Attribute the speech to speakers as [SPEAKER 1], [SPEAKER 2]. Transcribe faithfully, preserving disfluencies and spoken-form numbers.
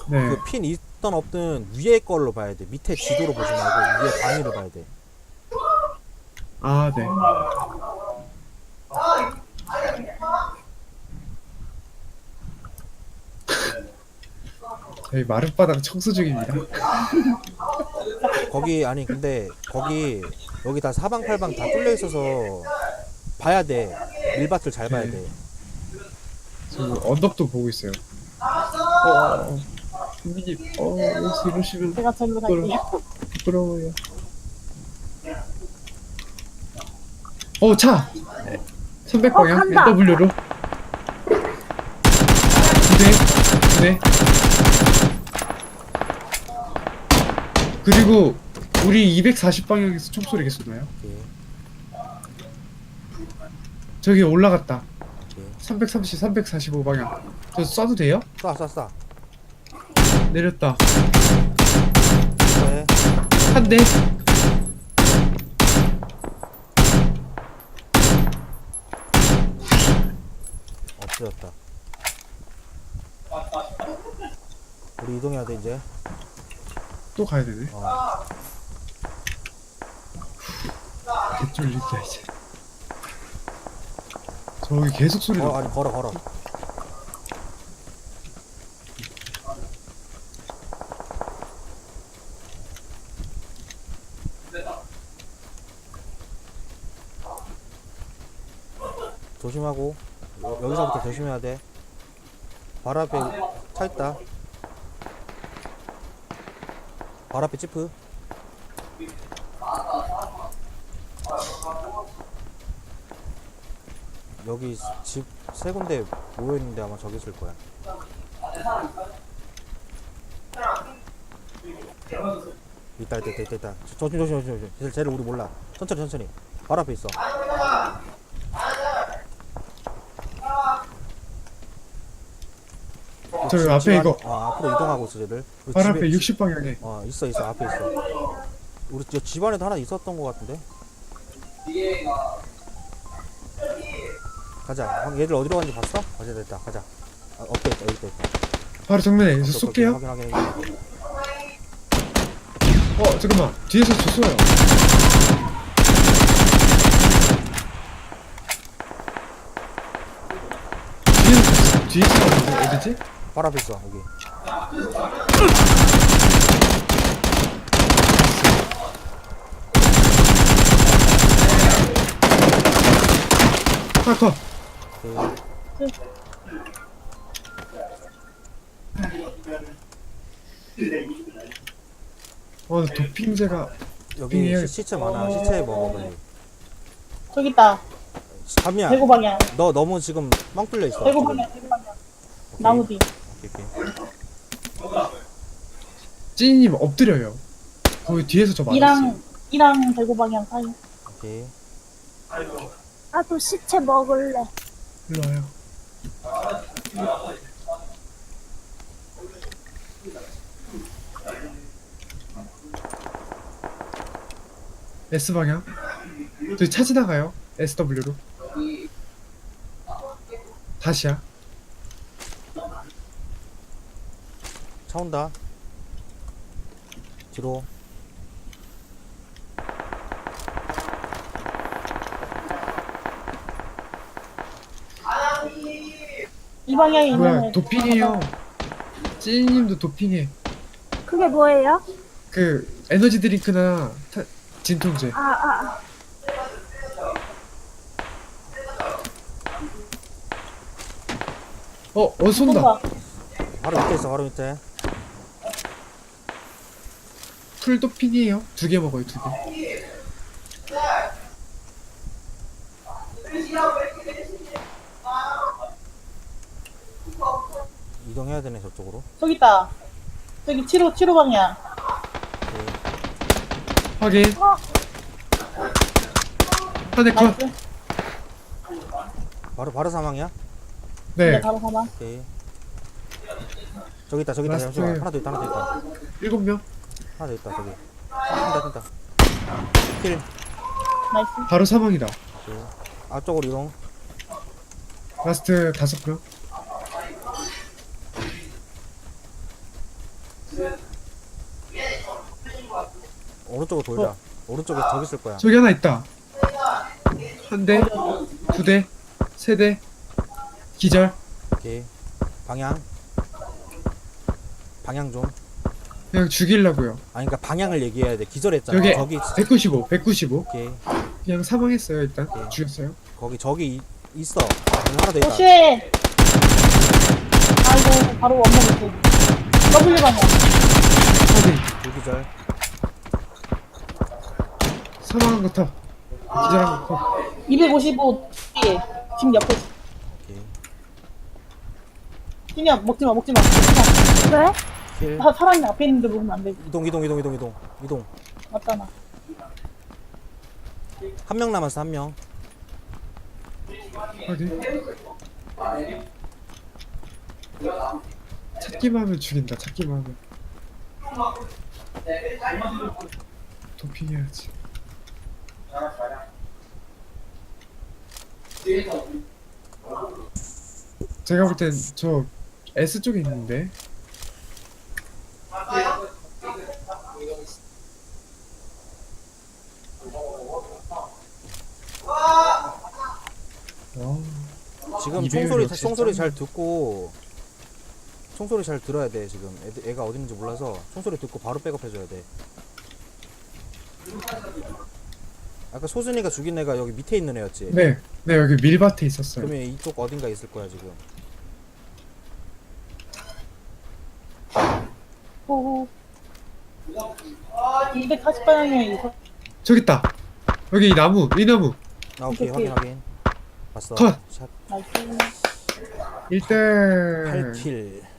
[SPEAKER 1] 네.
[SPEAKER 2] 그 핀 있던 없든 위에 걸로 봐야 돼. 밑에 지도로 보지 말고 위에 단위를 봐야 돼.
[SPEAKER 1] 아, 네. 저희 마룻바닥 청소 중입니다.
[SPEAKER 2] 거기 아니 근데 거기 여기 다 사방팔방 다 뚫려 있어서 봐야 돼. 밀밭을 잘 봐야
[SPEAKER 1] 네.
[SPEAKER 2] 돼.
[SPEAKER 1] 지금 언덕도 보고 있어요. 어, 어, 어. 선배님, 어, 여기서 이러시면
[SPEAKER 3] 제가 절로 갈게요.
[SPEAKER 1] 부끄러워요. 어, 차! 삼백 방향,
[SPEAKER 3] 어, 간다.
[SPEAKER 1] 엔더블유로. 두 대, 두 대. 그리고, 우리 이백사십 방향에서 총소리 계속 나요.
[SPEAKER 2] 오케이.
[SPEAKER 1] 저기 올라갔다.
[SPEAKER 2] 오케이.
[SPEAKER 1] 삼백삼십, 삼백사십오 방향. 저 쏴도 돼요?
[SPEAKER 2] 쏴, 쏴, 쏴.
[SPEAKER 1] 내렸다.
[SPEAKER 2] 네.
[SPEAKER 1] 한 대.
[SPEAKER 2] 없어졌다. 우리 이동해야 돼 이제.
[SPEAKER 1] 또 가야 되네.
[SPEAKER 2] 어.
[SPEAKER 1] 개쫄린다, 이제. 저기 계속 소리 나.
[SPEAKER 2] 어, 아니 걸어 걸어. 조심하고 여, 여기서부터 조심해야 돼. 바로 앞에 차 있다. 바로 앞에 지프. 여기 집 세 군데 모여 있는데 아마 저기 있을 거야. 있다 있다 있다 있다 있다. 조심 조심 조심 조심. 쟤를, 쟤를 우리 몰라. 천천히 천천히. 바로 앞에 있어.
[SPEAKER 1] 저기
[SPEAKER 2] 집-
[SPEAKER 1] 앞에
[SPEAKER 2] 집 안-
[SPEAKER 1] 이거.
[SPEAKER 2] 어, 앞으로 이동하고 있어 쟤들. 우리
[SPEAKER 1] 바로
[SPEAKER 2] 집에-
[SPEAKER 1] 앞에 육십 방향에.
[SPEAKER 2] 어 있어 있어 앞에 있어. 우리 저 집안에도 하나 있었던 것 같은데. 가자. 형, 얘들 어디로 갔는지 봤어? 가자 됐다. 가자. 아, 없다 있다 여기 있다 있다.
[SPEAKER 1] 바로 정면에
[SPEAKER 2] 오케이,
[SPEAKER 1] 저
[SPEAKER 2] 오케이,
[SPEAKER 1] 쏠게요.
[SPEAKER 2] 확인 확인.
[SPEAKER 1] 어, 잠깐만. 뒤에서 저 쏘요. 뒤에서, 뒤에서 쏘는데 어디지?
[SPEAKER 2] 바로 앞에 있어 여기.
[SPEAKER 1] 아, 컷.
[SPEAKER 2] 오케이.
[SPEAKER 1] 어, 도핑제가.
[SPEAKER 2] 여기
[SPEAKER 1] 빙의해야겠다.
[SPEAKER 2] 시, 시체 많아. 시체 먹어 빨리.
[SPEAKER 3] 저기 있다.
[SPEAKER 2] 잠이야.
[SPEAKER 3] 대구 방향.
[SPEAKER 2] 너 너무 지금 뻥 뚫려 있어.
[SPEAKER 3] 대구
[SPEAKER 2] 지금.
[SPEAKER 3] 방향. 대구 방향. 나무 뒤.
[SPEAKER 2] 오케이, 오케이.
[SPEAKER 1] 찐이님 엎드려요. 거기 뒤에서 저 맞았어요.
[SPEAKER 3] 이랑 이랑 대구 방향 사이.
[SPEAKER 2] 오케이.
[SPEAKER 4] 나도 시체 먹을래.
[SPEAKER 1] 일로 와요. S방향. 저기 차 지나가요. 에스더블유로. 다시야.
[SPEAKER 2] 차 온다. 뒤로.
[SPEAKER 3] 이 방향에 있는
[SPEAKER 1] 뭐야,
[SPEAKER 3] 애.
[SPEAKER 1] 도핑해요. 찐이님도 도핑해.
[SPEAKER 4] 그게 뭐예요?
[SPEAKER 1] 그 에너지 드링크나 타, 진통제.
[SPEAKER 4] 아, 아,
[SPEAKER 1] 어, 어 쏜다.
[SPEAKER 3] 쏜다.
[SPEAKER 2] 바로 밑에 있어. 바로 밑에.
[SPEAKER 1] 풀 도핑이에요. 두 개 먹어요, 두 개.
[SPEAKER 2] 이동해야 되네 저쪽으로.
[SPEAKER 3] 저기 있다. 저기 칠호 칠호 방향.
[SPEAKER 2] 오케이.
[SPEAKER 1] 확인.
[SPEAKER 4] 어,
[SPEAKER 1] 한 대 컷.
[SPEAKER 3] 나이스.
[SPEAKER 2] 바로 바로 사망이야?
[SPEAKER 3] 네.
[SPEAKER 1] 네.
[SPEAKER 3] 바로 사망.
[SPEAKER 2] 오케이. 저기 있다 저기 있다.
[SPEAKER 1] 라스트.
[SPEAKER 2] 잠시만. 하나 더 있다 하나 더 있다.
[SPEAKER 1] 일곱 명.
[SPEAKER 2] 하나 더 있다 저기. 뛴다 뛴다. 킬.
[SPEAKER 3] 나이스.
[SPEAKER 1] 바로 사망이다.
[SPEAKER 2] 오케이. 앞쪽으로 이동.
[SPEAKER 1] 라스트 다섯 명.
[SPEAKER 2] 오른쪽으로 돌자. 오른쪽에 저기 있을 거야.
[SPEAKER 1] 저기 하나 있다. 한 대, 두 대, 세 대. 기절.
[SPEAKER 2] 오케이. 방향. 방향 좀.
[SPEAKER 1] 그냥 죽이려고요.
[SPEAKER 2] 아니 그러니까 방향을 얘기해야 돼. 기절했잖아.
[SPEAKER 1] 여기
[SPEAKER 2] 저기
[SPEAKER 1] 백구십오, 백구십오.
[SPEAKER 2] 오케이.
[SPEAKER 1] 그냥 사망했어요 일단.
[SPEAKER 2] 오케이.
[SPEAKER 1] 죽였어요.
[SPEAKER 2] 거기 저기 이- 있어. 여기 하나 더 있다.
[SPEAKER 3] 오씨. 아이고 바로 원목 있어. W 방향.
[SPEAKER 1] 확인.
[SPEAKER 2] 불기절.
[SPEAKER 1] 사망한 거 터. 기절한 거 터.
[SPEAKER 3] 이백오십오 뒤에 지금 옆에.
[SPEAKER 2] 오케이.
[SPEAKER 3] 그냥 먹지 마 먹지 마. 먹지
[SPEAKER 4] 왜?
[SPEAKER 2] 킬.
[SPEAKER 3] 마. 사- 사람이 앞에 있는데 먹으면 안 되지.
[SPEAKER 2] 이동 이동 이동 이동 이동 이동.
[SPEAKER 3] 맞잖아.
[SPEAKER 2] 한 명 남았어 한 명.
[SPEAKER 1] 확인. 찾기만 하면 죽인다. 찾기만 하면. 도핑해야지. 제가 볼 땐 저 S 쪽에 있는데. 와,
[SPEAKER 2] 지금
[SPEAKER 1] 이배율이
[SPEAKER 2] 총소리
[SPEAKER 1] 역시
[SPEAKER 2] 총소리
[SPEAKER 1] 짱이네.
[SPEAKER 2] 잘 듣고 총소리 잘 들어야 돼 지금. 애들, 애가 어디 있는지 몰라서 총소리 듣고 바로 백업해줘야 돼. 아까 소준이가 죽인 애가 여기 밑에 있는 애였지?
[SPEAKER 1] 네, 네 여기 밀밭에 있었어요.
[SPEAKER 2] 그러면 이쪽 어딘가 있을 거야 지금.
[SPEAKER 3] 호호. 이백사십 방향에 있어.
[SPEAKER 1] 저기 있다. 여기 이 나무, 이 나무.
[SPEAKER 2] 아 오케이
[SPEAKER 3] 오케이.
[SPEAKER 2] 확인 확인. 봤어.
[SPEAKER 1] 컷.
[SPEAKER 2] 샷
[SPEAKER 3] 나이스.
[SPEAKER 1] 일 등.
[SPEAKER 2] 팔 킬.